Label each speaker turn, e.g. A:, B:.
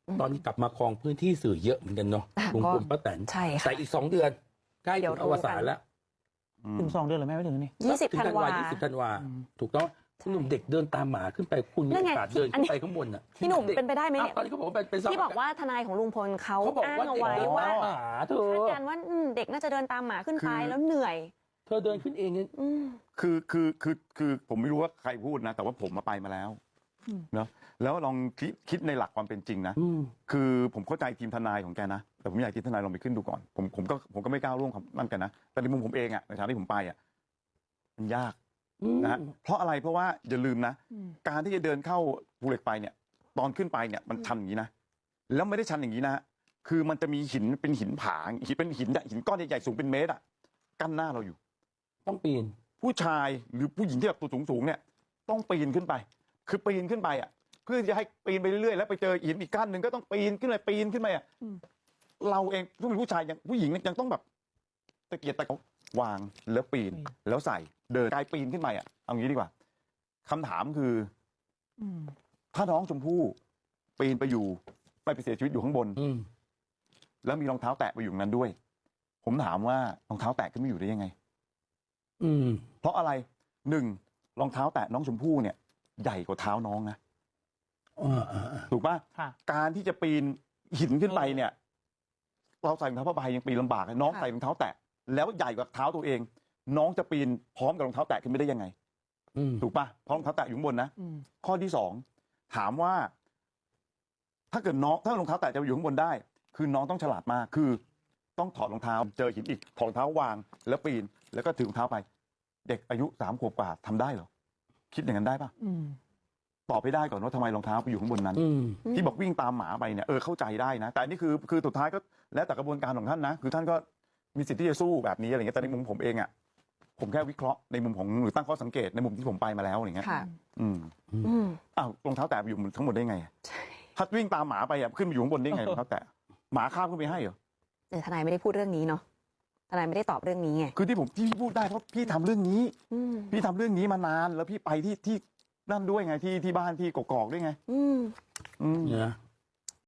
A: ตอนนี้กลับมาครองพื้นที่สื่อเยอะเหมือนกันเนาะลุงพลป้าแตน
B: ใช่ค่ะ
A: แต่อีก2 เดือนใกล้ถึงอวสานแล้ว
C: ถึง2 เดือนหรือไม่ถึงนี่
B: 20 ธันวา
A: 20 ธันวาถูกต้องคุณหนุ่มเด็กเดินตามหมาขึ้นไปคุณมีโอกาสเดินขึ้นไปข้างบนน่ะ
B: พี่หนุ่มเป็นไปได้ไหมเนี่ย
A: ตอนนี้เขาบอกว่าเป็น
B: ที่บอกว่าทนายของลุงพลเขาอ้างเอาไว้ว่า
A: เธอ
B: คาดการณ์ว่าเด็กน่าจะเดินตามหมาขึ้นไปแล้วเหนื่อย
A: เธอเดินขึ้นเองเนี่ย
D: คือผมไม่รู้ว่าใครพูดนะแต่ว่าผมมาไปมาแล้วเนาะแล้วลองคิดในหลักความเป็นจริงนะคือผมเข้าใจทีมทนายของแกนะแต่ผมอยากทีมทนายลองไปขึ้นดูก่อนผมก็ไม่ก้าวล่วงคำนั่นกันนะแต่ในมุมผมเองอะในฐานะที่ผมไปอะมันยากนะเพราะอะไรเพราะว่าอย่าลืมนะการที่จะเดินเข้าภูเหล็กไฟเนี่ยตอนขึ้นไปเนี่ยมันชันอย่างนี้นะแล้วไม่ได้ชันอย่างนี้นะคือมันจะมีหินเป็นหินผาเป็นหินก้อนใหญ่ๆสูงเป็นเมตรอะกั้นหน้าเราอยู่
A: ต้องปีน
D: ผู้ชายหรือผู้หญิงที่แบบตัวสูงเนี่ยต้องปีนขึ้นไปคือปีนขึ้นไปอ่ะเพื่อจะให้ปีนไปเรื่อยๆแล้วไปเจอหินอีกกั้นหนึ่งก็ต้องปีนขึ้นไปอ่ะเราเองผู้เป็นผู้ชายยังผู้หญิงยังต้องแบบตะเกียกตะกวางแล้วปีนแล้วใส่เดินกายปีนขึ้นไปอ่ะเอางี้ดีกว่าคำถามคือถ้าน้องชมพู่ปีนไปอยู่ไปเสียชีวิตอยู่ข้างบนแล้วมีรองเท้าแตะไปอยู่นั้นด้วยผมถามว่ารองเท้าแตะขึ้นมาอยู่ได้ยังไงเพราะอะไร1รองเท้าแตะน้องชมพู่เนี่ยใหญ่กว่าเท้าน้องนะถูกป่ะการที่จะปีนหินขึ้นไปเนี่ยเราใส่รองเท้าผ้าใบยังปีนลำบากน้องใส่รองเท้าแตะแล้วใหญ่กว่าเท้าตัวเองน้องจะปีนพร้อมกับรองเท้าแตะขึ้นไม่ได้ยังไงถูกป่ะเพราะรองเท้าแตะอยู่ข้างบนนะข้อที่2ถามว่าถ้าเกิดน้องถ้ารองเท้าแตะจะอยู่ข้างบนได้คือน้องต้องฉลาดมากคือต้องถอดรองเท้าเจอหินอีกถอดรองเท้าวางแล้วปีนแล้วก็ถือรองเท้าไปเด็กอายุ3 ขวบกว่าทำได้เหรอคิดอย่างนั้นได้ป่ะตอบให้ได้ก่อนว่าทำไมรองเท้าไปอยู่ข้างบนนั้นที่บอกวิ่งตามหมาไปเนี่ยเข้าใจได้นะแต่อันนี้คือสุดท้ายก็แล้วแต่กระบวนการของท่านนะคือท่านก็มีสิทธิ์ที่จะสู้แบบนี้อะไรเงี้ยแต่ในมุมผมเองอ่ะผมแค่วิเคราะห์ในมุมของหรือตั้งข้อสังเกตในมุมที่ผมไปมาแล้วอย่างเงี้ยอ้าวรองเท้าแตะไปอยู่ทั้งหมดได้ไงถ้าวิ่งตามหมาไปอ่ะขึ้นไปอยู่ข้างบนได้ไงรองเท้าแตะหมาข้ามขึ้นไปให้เหรอ
B: แต่ทนายไม่ได้พูดเรื่องนี้เนาะทนายไม่ได้ตอบเรื่องนี้ไง
D: คือที่พี่พูดได้เพราะพี่ทำเรื่องนี้พี่ทำเรื่องนี้มานานแล้วพี่ไปที่นั่นด้วยไงที่บ้านที่กอกๆด้วยไง
A: เนี่ย